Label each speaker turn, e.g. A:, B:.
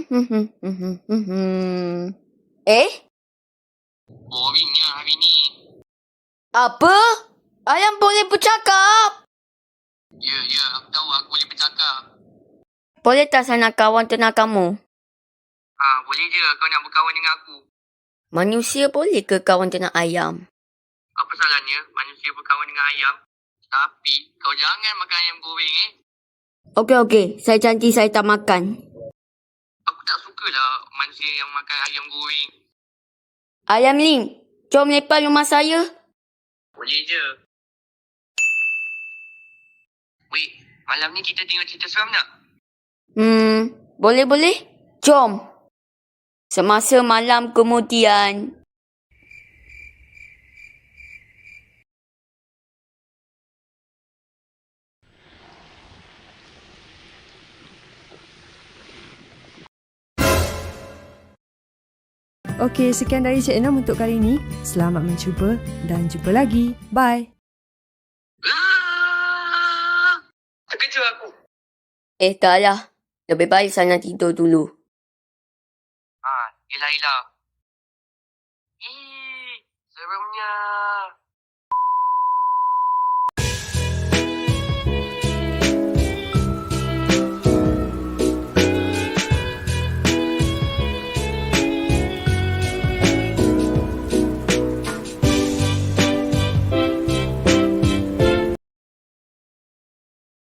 A: Eh?
B: Boringnya hari ni.
A: Apa? Ayam boleh bercakap?
B: Ya, aku tahu aku boleh bercakap.
A: Boleh tak saya nak kawan ternak kamu?
B: Boleh je kau nak berkawan dengan aku.
A: Manusia boleh ke kawan ternak ayam?
B: Apa salahnya manusia berkawan dengan ayam? Tapi kau jangan makan ayam goreng
A: Okey. Saya janji saya tak makan.
B: Aku tak sukalah manusia yang makan ayam goreng.
A: Ayam Lim, jom lepas rumah saya.
B: Boleh je. Weh, malam ni kita tengok cerita seram tak?
A: Boleh. Jom. Semasa malam kemudian.
C: Okey, sekian dari Cik Enam untuk kali ini. Selamat mencuba dan jumpa lagi. Bye.
B: Terkejut aku.
A: Taklah. Lebih baik saya nak tidur dulu.
B: Yelah. Seremnya.